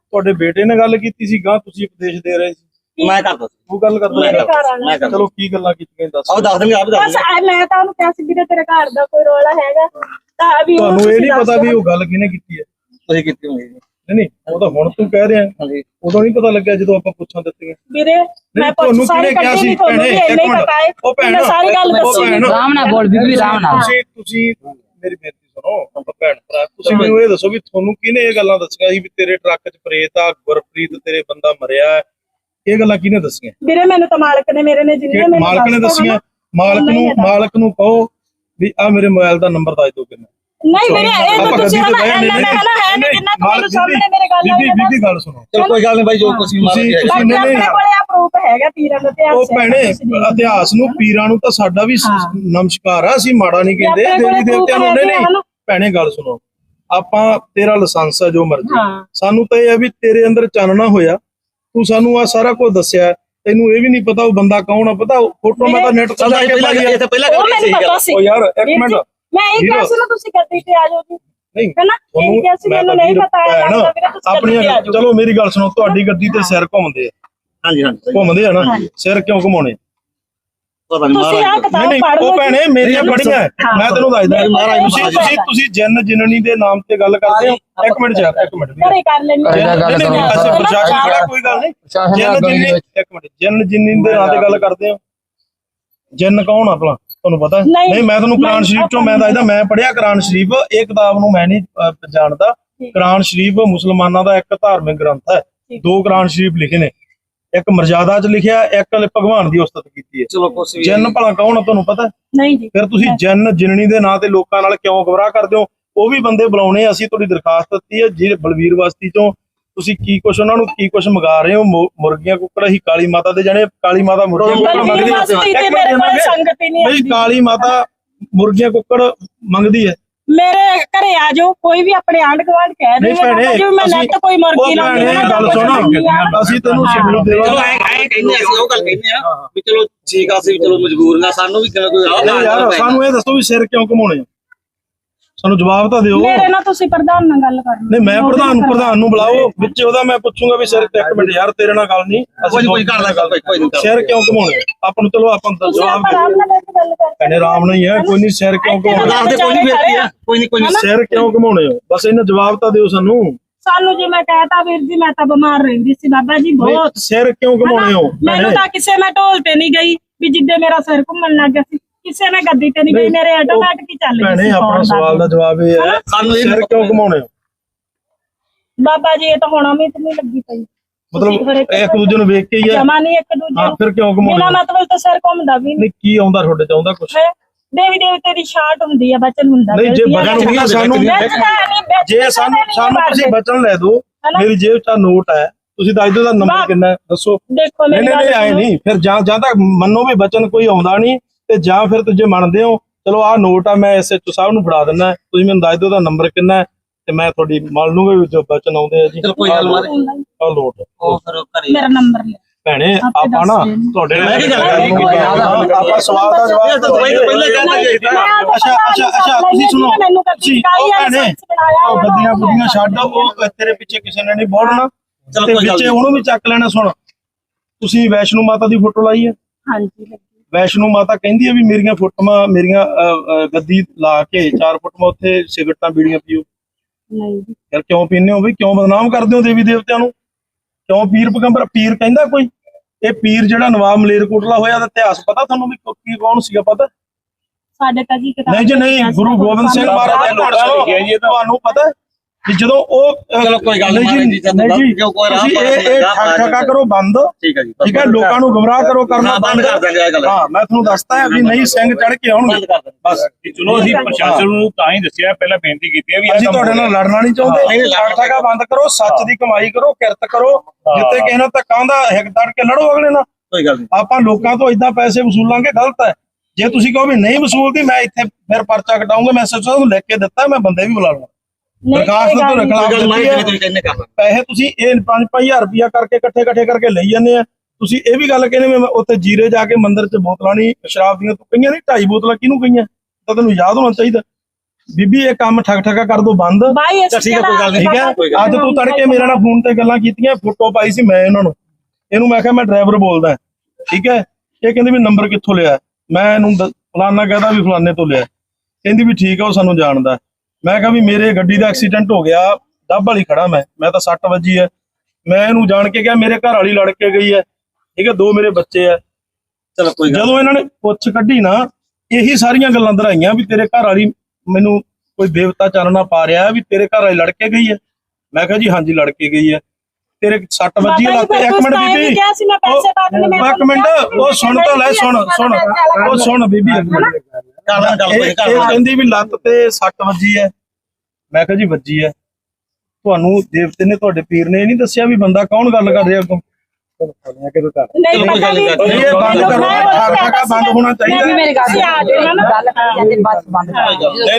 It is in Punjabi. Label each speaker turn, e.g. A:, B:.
A: ਤੁਹਾਡੇ ਬੇਟੇ ਨੇ ਗੱਲ ਕੀਤੀ ਸੀ ਗਾਂ ਤੁਸੀਂ ਉਪਦੇਸ਼ ਦੇ ਰਹੇ ਸੀ
B: ਮੈਂ ਕਰਦਾ ਸੀ
A: ਉਹ ਗੱਲ ਕਰਦਾ ਚਲੋ ਕੀ ਗੱਲਾਂ ਕੀਤੀਆਂ ਦੱਸ
B: ਆਹ ਦੱਸ ਦੇਂਗੇ ਆਪ ਦੱਸ
C: ਬਸ ਮੈਂ ਤਾਂ ਉਹਨੂੰ ਕਿਹਾ ਸੀ ਵੀਰੇ ਤੇਰੇ ਘਰ ਦਾ ਕੋਈ ਰੌਲਾ ਹੈਗਾ ਤਾਂ ਵੀ
A: ਤੁਹਾਨੂੰ ਇਹ ਨਹੀਂ ਪਤਾ ਵੀ ਉਹ ਗੱਲ ਕਿਹਨੇ ਕੀਤੀ ਹੈ
B: ਤੁਸੀਂ ਕੀਤੀ ਹੋਣੀ
A: ਨਹੀਂ ਉਹ ਤਾਂ ਹੁਣ ਤੂੰ ਕਹਿ ਰਿਹਾ
B: ਹਾਂਜੀ
A: ਉਦੋਂ ਨਹੀਂ ਪਤਾ ਲੱਗਿਆ ਜਦੋਂ ਆਪਾਂ ਪੁੱਛਾਂ ਦਿੱਤੀਆਂ
C: ਵੀਰੇ ਮੈਂ
A: ਤੁਹਾਨੂੰ ਕਿਹਨੇ ਕਿਹਾ ਸੀ ਭੈਣੇ ਇੱਕ ਮਿੰਟ ਉਹ ਭੈਣ
C: ਸਾਰੀ ਗੱਲ ਦੱਸੀ
D: ਰਾਮ ਨਾਲ ਬੋਲ ਬੀਬੀ ਰਾਮ ਨਾਲ
A: ਤੁਸੀਂ ਮੇਰੀ ਬੇਨਤੀ ਸੁਣੋ ਆਪਾਂ ਭੈਣ ਭਰਾ ਤੁਸੀਂ ਮੈਨੂੰ ਇਹ ਦੱਸੋ ਵੀ ਤੁਹਾਨੂੰ ਕਿਹਨੇ ਇਹ ਗੱਲਾਂ ਦੱਸੀਆਂ ਸੀ ਵੀ ਤੇਰੇ ਟਰੱਕ 'ਚ ਪ੍ਰੇਤ ਆ ਗੁਰਪ੍ਰੀਤ ਤੇਰੇ ਬੰਦਾ ਮਰਿਆ ਇਹ ਗੱਲਾਂ ਕਿਹਨੇ ਦੱਸੀਆਂ
C: ਵੀਰੇ ਮੈਨੂੰ ਤਾਂ ਮਾਲਕ ਨੇ ਮੇਰੇ ਨੇ ਜਿੰਨੇ
A: ਮਾਲਕ ਨੇ ਦੱਸੀਆਂ ਮਾਲਕ ਨੂੰ ਕਹੋ ਵੀ ਆ ਮੇਰੇ ਮੋਬਾਈਲ ਦਾ ਨੰਬਰ ਦੱਸ ਦਿਓ ਕਿੰਨਾ
C: ਨਹੀਂ ਵੀਰੇ ਇਹ ਤਾਂ ਤੁਸੀਂ ਹਨਾ ਹੈ ਨਹੀਂ ਜਿੰਨਾ ਤੁਹਾਨੂੰ ਸਾਹਮਣੇ ਮੇਰੇ ਗੱਲ
A: ਬੀਬੀ ਗੱਲ ਸੁਣੋ
B: ਚਲ ਕੋਈ ਗੱਲ ਨਹੀਂ ਬਾਈ ਜੋ ਕੁਝ
A: ਤੁਸੀਂ
C: ਆਪਣੇ ਕੋਲੇ ਆ ਪ੍ਰੂਫ ਹੈਗਾ ਪੀਰਾਂ ਦਾ ਇਤਿਹਾਸ
A: ਉਹ ਭੈਣੇ ਇਤਿਹਾਸ ਨੂੰ ਪੀਰਾਂ ਨੂੰ ਤਾਂ ਸਾਡਾ ਵੀ ਨਮਸਕਾਰ ਆ ਅਸੀਂ ਮਾੜਾ ਨਹੀਂ ਕਹਿੰਦੇ ਦੇਵੀ ਦੇਵਤਿਆਂ ਨੂੰ ਨਹੀਂ ਭੈਣੇ ਗੱਲ ਸੁਣੋ ਆਪਾਂ ਤੇਰਾ ਲਾਇਸੈਂਸ ਆ ਜੋ ਮਰਜ਼ੀ ਸਾਨੂੰ ਤਾਂ ਇਹ ਹੈ ਵੀ ਤੇਰੇ ਅੰਦਰ ਚਾਨਣਾ ਹੋਇਆ ਤੂੰ ਸਾਨੂੰ ਆ ਸਾਰਾ ਕੁਝ ਦੱਸਿਆ ਤੈਨੂੰ ਇਹ ਵੀ ਨਹੀਂ ਪਤਾ ਉਹ ਬੰਦਾ ਕੌਣ ਆ ਪਤਾ ਫੋਟੋ ਮੈਂ ਤਾਂ ਨੈਟ ਤੇ ਲਾ ਕੇ ਪਾਈ ਆ
B: ਪਹਿਲਾਂ ਗੱਲ
C: ਸੀ
A: ਉਹ ਯਾਰ ਇੱਕ ਮਿੰਟ
C: ਮੈਂ ਇਹ ਕਿਹਾ ਸੀ ਨਾ ਤੁਸੀਂ ਗੱਡੀ ਤੇ ਆ ਜਾਓ ਜੀ
A: ਨਹੀਂ
C: ਹੈਨਾ ਇਹ ਕਿਹਾ ਸੀ ਮੈਨੂੰ ਨਹੀਂ ਪਤਾ
A: ਆਪਣੀਆਂ ਚਲੋ ਮੇਰੀ ਗੱਲ ਸੁਣੋ ਤੁਹਾਡੀ ਗੱਡੀ ਤੇ ਸਿਰ ਘੁੰਮਦੇ ਆ
B: ਹਾਂਜੀ ਹਾਂਜੀ
A: ਘੁੰਮਦੇ ਆ ਨਾ ਸਿਰ ਕਿਉਂ ਘੁਮਾਉਣੇ
B: ਪਤਾ ਨਹੀਂ
C: ਤੁਸੀਂ ਆ ਕਿਤਾਬ ਪੜ੍ਹ
A: ਉਹ ਭੈਣੇ ਮੇਰੀਆਂ ਪੜੀਆਂ ਮੈਂ ਤੈਨੂੰ ਦੱਸਦਾ ਤੁਸੀਂ ਜਨ ਜਿਨਨੀ ਦੇ ਨਾਮ ਤੇ ਗੱਲ ਕਰਦੇ ਹੋ ਇੱਕ ਮਿੰਟ
C: ਘਰੇ ਕਰ ਲੈਣੀ
A: ਅਸੀਂ ਪ੍ਰਸ਼ਾਸਨ ਖੜਾ ਕੋਈ ਗੱਲ ਨਹੀਂ ਜਨ ਜਿਨਨੀ ਦੇ ਨਾਂ ਤੇ ਗੱਲ ਕਰਦੇ ਹੋ ਜਨ ਕੌਣ ਆ ਭਲਾ ਤੁਹਾਨੂੰ ਪਤਾ ਨਹੀਂ ਮੈਂ ਤੁਹਾਨੂੰ ਕੁਰਾਨ ਸ਼ਰੀਫ ਚੋਂ ਮੈਂ ਦੱਸਦਾ ਮੈਂ ਪੜਿਆ ਕੁਰਾਨ ਸ਼ਰੀਫ ਇਹ ਕਿਤਾਬ ਨੂੰ ਮੈਂ ਨਹੀਂ ਜਾਣਦਾ ਕੁਰਾਨ ਸ਼ਰੀਫ ਮੁਸਲਮਾਨਾਂ ਦਾ ਇੱਕ ਧਾਰਮਿਕ ਗ੍ਰੰਥ ਹੈ ਦੋ ਕੁਰਾਨ ਸ਼ਰੀਫ ਲਿਖੇ ਨੇ ਇੱਕ ਮਰਜ਼ਾਦਾ ਚ ਲਿਖਿਆ ਇੱਕ ਭਗਵਾਨ ਦੀ ਉਸਤਤ ਕੀਤੀ ਹੈ
B: ਚਲੋ ਕੁਛ ਵੀ
A: ਜਨ ਭਲਾ ਕੌਣ ਆ ਤੁਹਾਨੂੰ ਪਤਾ
C: ਨਹੀਂ ਜੀ
A: ਫਿਰ ਤੁਸੀਂ ਜਨ ਜਿਨਣੀ ਦੇ ਨਾਂ ਤੇ ਲੋਕਾਂ ਨਾਲ ਕਿਉਂ ਗਵਰਾਹ ਕਰਦੇ ਹੋ ਉਹ ਵੀ ਬੰਦੇ ਬੁਲਾਉਣੇ ਅਸੀਂ ਤੁਹਾਡੀ ਦਰਖਾਸਤ ਦਿੱਤੀ ਹੈ ਜਿਹੜੇ ਬਲਵੀਰ ਬਸਤੀ ਚੋਂ ਤੁਸੀਂ ਕੀ ਕੁਛ ਉਹਨਾਂ ਨੂੰ ਕੀ ਕੁਛ ਮੰਗਾ ਰਹੇ ਹੋ ਮੁਰਗੀਆਂ ਕੁੱਕੜ ਅਸੀਂ ਕਾਲੀ ਮਾਤਾ ਦੇ ਜਾਣੇ ਕਾਲੀ ਮਾਤਾ ਮੁਰਗੀਆਂ ਮੰਗਦੀ ਹੈ ਕਾਲੀ ਮਾਤਾ ਮੁਰਗੀਆਂ ਕੁੱਕੜ ਮੰਗਦੀ ਹੈ
C: ਮੇਰੇ ਘਰੇ ਆ ਜਾਓ ਕੋਈ ਵੀ ਆਪਣੇ ਆਂਢ ਗੁਆਂਢ ਕਹਿ ਦੇ ਮੈਂ ਨੱਤ ਕੋਈ ਮੁਰਗੀ ਲਾਉਂਦੀ
A: ਗੱਲ ਸੁਣੋ ਅਸੀਂ ਤੈਨੂੰ ਸ਼ਿਵਰੂ ਦੇਵਾਂਗੇ
B: ਚਲੋ ਐ ਕਹਿੰਦੇ ਅਸੀਂ ਉਹ ਗੱਲ ਕਹਿੰਦੇ ਆ ਵੀ ਚਲੋ ਠੀਕ ਆ ਅਸੀਂ ਚਲੋ ਮਜਬੂਰ ਨਾ ਸਾਨੂੰ ਵੀ ਕੋਈ
A: ਯਾਰ ਸਾਨੂੰ ਇਹ ਦੱਸੋ ਵੀ ਸਿਰ ਕਿਉਂ ਘਮਾਉਣੇ ਸਾਨੂੰ ਜਵਾਬ ਤਾਂ ਦਿਓ
C: ਮੇਰੇ ਨਾਲ ਤੁਸੀਂ ਪ੍ਰਧਾਨ ਨਾਲ ਗੱਲ ਕਰਨੀ
A: ਨਹੀਂ ਮੈਂ ਪ੍ਰਧਾਨ ਨੂੰ ਬੁਲਾਓ ਵਿੱਚ ਉਹਦਾ ਮੈਂ ਪੁੱਛੂੰਗਾ ਵੀ ਸਿਰ ਇੱਕ ਮਿੰਟ ਯਾਰ ਤੇਰੇ ਨਾਲ ਗੱਲ ਨਹੀਂ
B: ਅਸੀਂ ਕੋਈ ਕਰਦਾ ਗੱਲ ਕੋਈ ਨਹੀਂ
A: ਸਿਰ ਕਿਉਂ ਘਮਾਉਣੇ ਆਪਾਂ ਨੂੰ ਚਲੋ ਆਪਾਂ ਜਵਾਬ ਕਹਿੰਦੇ ਆਰਾਮ ਨਾਲ ਹੀ ਹੈ ਕੋਈ ਨਹੀਂ ਸਿਰ ਕਿਉਂ ਘਮਾਉਣੇ
B: ਕੋਈ ਨਹੀਂ
A: ਸਿਰ ਕਿਉਂ ਘਮਾਉਣੇ ਹੋ ਬਸ ਇਹਨਾਂ ਜਵਾਬ ਤਾਂ ਦਿਓ ਸਾਨੂੰ
C: ਜੇ ਮੈਂ ਕਹਤਾ ਵੀਰ ਜੀ ਮੈਂ ਤਾਂ ਬਿਮਾਰ ਰਹਿੰਦੀ ਸੀ ਬਾਬਾ ਜੀ ਬਹੁਤ
A: ਸਿਰ ਕਿਉਂ ਘਮਾਉਣੇ ਹੋ
C: ਮੈਨੂੰ ਤਾਂ ਕਿਸੇ ਮੈਂ ਢੋਲ ਤੇ ਨਹੀਂ ਗਈ ਵੀ ਜਿੱਦੇ ਮੇਰਾ ਸਿਰ ਘੁੰਮਣ ਲੱਗ ਗਿਆ ਸੀ ਕਿਸੇ ਮੈਂ ਗੱਡੀ ਤੇ ਨਹੀਂ ਗਈ ਮੇਰੇ ਆਟੋਮੈਟਿਕ ਹੀ ਚੱਲ ਗਈ
A: ਸੀ ਆਪਣਾ ਸਵਾਲ ਦਾ ਜਵਾਬ ਇਹ ਹੈ ਸਾਨੂੰ ਸਿਰ ਕਿਉਂ ਘਮਾਉਣੇ ਹੋ
C: ਬਾਬਾ ਜੀ ਇਹ ਤਾਂ ਹੁਣ ਉਮੀਦ ਨਹੀਂ ਲੱਗੀ ਪਈ
A: ਮਤਲਬ ਇੱਕ ਦੂਜੇ ਨੂੰ ਵੇਖ ਕੇ ਹੀ
C: ਜਮਾ ਨਹੀਂ ਇੱਕ ਦੂਜੇ ਨੂੰ
A: ਫਿਰ ਕਿਉਂ ਘਮਾਉਣੇ
C: ਬਿਨਾਂ ਮਤਲਬ ਤਾਂ ਸਿਰ ਘੁੰਮਦਾ ਵੀ
A: ਨਹੀਂ ਕੀ ਆਉਂਦਾ ਤੁਹਾਡੇ ਚ ਆਉਂਦਾ ਕੁਝ
C: ਦੇਵੀ ਦੇਵਤੇ ਦੀ ਸ਼ਾਟ ਹੁੰਦੀ ਆ ਬਚਨ ਹੁੰਦਾ
A: ਨਹੀਂ ਜੇ ਬਚਨ ਹੁੰਦਾ ਸਾਨੂੰ ਜੇ ਸਾਨੂੰ ਤੁਸੀਂ ਬਚਨ ਲੈ ਦਿਓ ਮੇਰੀ ਜੇਬ 'ਚ ਨੋਟ ਹੈ ਤੁਸੀਂ ਦੱਸ ਦਿਓ ਦਾ ਨੰਬਰ ਕਿੰਨਾ ਦੱਸੋ ਨਹੀਂ ਆਏ ਨਹੀਂ ਫਿਰ ਜਾਂ ਤੱਕ ਮੰਨੋ ਵੀ ਬਚਨ ਕੋਈ ਆਉਂਦਾ ਨਹੀਂ ਤੇ ਜਾਂ ਫਿਰ ਤੁਸੀਂ ਮੰਨਦੇ ਹੋ ਚਲੋ ਆਹ ਨੋਟ ਆ ਮੈਂ ਐਸਐਚਓ ਸਾਹਿਬ ਨੂੰ ਫੜਾ ਦਿੰਦਾ ਤੁਸੀਂ ਮੈਨੂੰ ਦੱਸ ਦਿਓ ਦਾ ਨੰਬਰ ਕਿੰਨਾ ਤੇ ਮੈਂ ਤੁਹਾਡੀ ਮੰਨ ਲੂੰਗਾ ਵੀ ਜੋ ਬਚਨ ਆਉਂਦੇ ਆ ਜੀ
B: ਚਲੋ ਕੋਈ ਗੱਲ ਨਹੀਂ
A: ਆ ਲੋਟ
B: ਉਹ ਫਿਰ ਘਰੇ
C: ਮੇਰਾ ਨੰਬਰ ਲੈ
A: ਭੈਣੇ ਆਪਾਂ ਨਾ ਤੁਹਾਡੇ ਨਾਲ ਆਪਾਂ ਸਵਾਲ ਦਾ ਜਵਾਬ ਤਾਂ
B: ਪਹਿਲੇ ਕਹਿੰਦੇ ਜਾਈਦਾ
A: ਅੱਛਾ ਤੁਸੀਂ ਸੁਣੋ ਤੁਸੀਂ ਉਹ ਭੈਣੇ ਉਹ ਗੱਡੀਆਂ ਗੁੱਡੀਆਂ ਛੱਡ ਉਹ ਤੇਰੇ ਪਿੱਛੇ ਕਿਸੇ ਨੇ ਨਹੀਂ ਬੋਲਣਾ ਤੇ ਪਿੱਛੇ ਉਹਨੂੰ ਵੀ ਚੱਕ ਲੈਣਾ ਸੁਣ ਤੁਸੀਂ ਵੈਸ਼ਨੂ ਮਾਤਾ ਦੀ ਫੋਟੋ ਲਾਈ ਹੈ
C: ਹਾਂਜੀ
A: ਵੈਸ਼ਨੂ ਮਾਤਾ ਕਹਿੰਦੀ ਹੈ ਵੀ ਮੇਰੀਆਂ ਫੋਟੋਆਂ ਮੇਰੀਆਂ ਗੱਦੀ ਲਾ ਕੇ 4 ਫੋਟੋਆਂ ਉੱਥੇ ਸਿਗਰਟਾਂ ਬੀੜੀਆਂ ਪੀਓ
C: ਨਹੀਂ
A: ਯਾਰ ਕਿਉਂ ਪੀਂਦੇ ਹੋ ਵੀ ਕਿਉਂ ਬਦਨਾਮ ਕਰਦੇ ਹੋ ਦੇਵੀ ਦੇਵਤਿਆਂ ਨੂੰ ਕਿਉਂ ਪੀਰ ਪੈਗੰਬਰ ਪੀਰ ਕਹਿੰਦਾ ਕੋਈ ਇਹ ਪੀਰ ਜਿਹੜਾ ਨਵਾਬ ਮਲੇਰਕੋਟਲਾ ਹੋਇਆ ਦਾ ਇਤਿਹਾਸ ਪਤਾ ਤੁਹਾਨੂੰ ਵੀ ਕੀ ਕੌਣ ਸੀਗਾ ਪਤਾ
C: ਸਾਡੇ ਤਾਂ ਜੀ
A: ਨਹੀਂ ਜੀ ਨਹੀਂ ਗੁਰੂ ਗੋਬਿੰਦ ਸਿੰਘ ਮਹਾਰਾਜ ਦੇ ਲੋਕਾਂ ਨੂੰ ਲਿਖਿਆ ਜੀ ਤੁਹਾਨੂੰ ਪਤਾ ਕਿ ਜਦੋਂ ਉਹ
B: ਚਲੋ ਕੋਈ ਗੱਲ ਨਹੀਂ ਜੀ ਜੋ ਕੋਈ ਰਾਹ
A: ਇਹ ਠੱਕਾ ਕਰੋ ਬੰਦ
B: ਠੀਕ ਹੈ ਜੀ
A: ਠੀਕ ਹੈ ਲੋਕਾਂ ਨੂੰ ਗੁੰਮਰਾਹ ਕਰੋ ਕਰਨਾ
B: ਬੰਦ ਕਰ ਦਾਂਗੇ ਇਹ ਗੱਲ
A: ਹਾਂ ਮੈਂ ਤੁਹਾਨੂੰ ਦੱਸਦਾ ਹੈ ਵੀ ਨਹੀਂ ਸਿੰਘ ਚੜ ਕੇ ਆਉਣਗੇ ਬਸ
E: ਚਲੋ ਅਸੀਂ ਪ੍ਰਸ਼ਾਸਨ ਨੂੰ ਤਾਂ ਹੀ ਦੱਸਿਆ ਪਹਿਲਾਂ ਬੇਨਤੀ ਕੀਤੀ ਹੈ ਵੀ
A: ਅਸੀਂ ਤੁਹਾਡੇ ਨਾਲ ਲੜਨਾ ਨਹੀਂ ਚਾਹੁੰਦੇ ਠੱਕਾ ਬੰਦ ਕਰੋ ਸੱਚ ਦੀ ਕਮਾਈ ਕਰੋ ਕਿਰਤ ਕਰੋ ਜਿੱਤੇ ਕਿਸੇ ਨਾਲ ਧੱਕਾ ਹੁੰਦਾ ਹਿੱਕ ਤੜ ਕੇ ਲੜੋ ਅਗਲੇ ਨਾਲ
B: ਕੋਈ ਗੱਲ ਨਹੀਂ
A: ਆਪਾਂ ਲੋਕਾਂ ਤੋਂ ਇਦਾਂ ਪੈਸੇ ਵਸੂਲਾਂਗੇ ਗਲਤ ਹੈ ਜੇ ਤੁਸੀਂ ਕਹੋ ਵੀ ਨਹੀਂ ਵਸੂਲਦੀ ਮੈਂ ਇੱਥੇ ਫਿਰ ਪਰਚਾ ਕਟਾਉਂਗਾ ਮੈਂ ਸੱਚ ਨੂੰ ਲਿਖ ਕੇ ਦਿੱਤਾ ਮੈਂ ਬੰਦੇ ਵੀ ਬੁਲਾ ਲਵਾਂ ਦਰਖਾਸਤ ਤੋਂ ਖਿਲਾਫ ਪੈਸੇ ਤੁਸੀਂ ਇਹ 5-5000 ਰੁਪਇਆ ਕਰਕੇ ਇਕੱਠੇ ਕਰਕੇ ਲਈ ਜਾਂਦੇ ਆ ਤੁਸੀਂ ਇਹ ਵੀ ਗੱਲ ਕਹਿੰਦੇ ਮੈਂ ਉੱਥੇ ਜੀਰੇ ਜਾ ਕੇ ਮੰਦਿਰ 'ਚ ਬੋਤਲਾਂ ਨਹੀਂ ਸ਼ਰਾਬ ਦੀਆਂ ਤੂੰ ਕਈਆਂ ਨਹੀਂ 2.5 ਬੋਤਲਾਂ ਕਿਹਨੂੰ ਕਹੀਆਂ ਤਾਂ ਤੈਨੂੰ ਯਾਦ ਹੋਣਾ ਚਾਹੀਦਾ ਬੀਬੀ ਇਹ ਕੰਮ ਠੱਗ ਠੱਗਾ ਕਰ ਦੋ ਬੰਦ।
C: ਭਾਈ ਇਸ
B: ਠੀਕ ਹੈ, ਕੋਈ ਗੱਲ ਨਹੀਂ,
A: ਠੀਕ ਹੈ। ਅੱਜ ਤੂੰ ਤੜਕੇ ਮੇਰੇ ਨਾਲ ਫੋਨ ਤੇ ਗੱਲਾਂ ਕੀਤੀਆਂ, ਫੋਟੋ ਪਾਈ ਸੀ ਮੈਂ ਇਹਨਾਂ ਨੂੰ, ਇਹਨੂੰ ਮੈਂ ਕਿਹਾ ਮੈਂ ਡਰਾਈਵਰ ਬੋਲਦਾ, ਠੀਕ ਹੈ। ਇਹ ਕਹਿੰਦੇ ਵੀ ਨੰਬਰ ਕਿੱਥੋਂ ਲਿਆ, ਮੈਂ ਇਹਨੂੰ ਫਲਾਨਾ ਕਹਦਾ ਵੀ ਫਲਾਨੇ ਤੋਂ ਲਿਆ, ਕਹਿੰਦੀ ਵੀ ਠੀਕ ਆ ਉਹ ਸਾਨੂੰ ਜਾਣਦਾ। ਮੈਂ ਕਿਹਾ ਵੀ ਮੇਰੇ ਗੱਡੀ ਦਾ ਐਕਸੀਡੈਂਟ ਹੋ ਗਿਆ, ਡੱਬ ਵਾਲੀ ਖੜਾ ਮੈਂ ਤਾਂ 60 ਵੱਜੀ ਹੈ। ਮੈਂ ਇਹਨੂੰ ਜਾਣ ਕੇ ਕਿਹਾ ਮੇਰੇ ਘਰ ਵਾਲੀ ਲੜ ਕੇ ਗਈ ਹੈ, ਠੀਕ ਹੈ, 2 ਮੇਰੇ ਬੱਚੇ ਆ।
B: ਚਲੋ ਕੋਈ ਗੱਲ
A: ਜਦੋਂ ਇਹਨਾਂ ਨੇ ਪੁੱਛ ਕੱਢੀ ਨਾ, ਇਹੀ ਸਾਰੀਆਂ ਗੱਲਾਂ ਦਰਾਈਆਂ ਵੀ ਤੇਰੇ ਘਰ ਵਾਲੀ ਮੈਨੂੰ ਕੋਈ ਦੇਵਤਾ ਚਾਨਣਾ ਪਾ ਰਿਹਾ ਵੀ ਤੇਰੇ ਘਰ ਵਾਲੀ ਲੜ ਕੇ ਗਈ ਹੈ। ਮੈਂ ਕਿਹਾ ਜੀ ਹਾਂਜੀ ਲੜ ਕੇ ਗਈ ਹੈ, ਤੇਰੇ 60 ਵੱਜੀ ਹੈ ਲੱਤ। ਇੱਕ ਮਿੰਟ ਬੀਬੀ, ਇੱਕ ਮਿੰਟ, ਉਹ ਸੁਣ ਤਾਂ ਲੈ, ਸੁਣ ਉਹ ਸੁਣ ਬੀਬੀ, ਇਹ ਕਹਿੰਦੀ ਵੀ ਲੱਤ ਤੇ 60 ਵੱਜੀ ਹੈ। ਮੈਂ ਕਿਹਾ ਜੀ ਵੱਜੀ ਹੈ, ਤੁਹਾਨੂੰ ਦੇਵਤੇ ਨੇ ਤੁਹਾਡੇ ਪੀਰ ਨੇ ਇਹ ਨਹੀਂ ਦੱਸਿਆ ਵੀ ਬੰਦਾ ਕੌਣ ਗੱਲ ਕਰ ਰਿਹਾ ਅੱਗੋਂ?
C: ਨਹੀਂ ਪਤਾ ਵੀ
A: ਇਹ ਬੰਦ ਕਰੋ, ਠੱਗ ਠੱਗਾ ਬੰਦ ਹੋਣਾ ਚਾਹੀਦਾ।
C: ਮੇਰੀ ਗੱਲ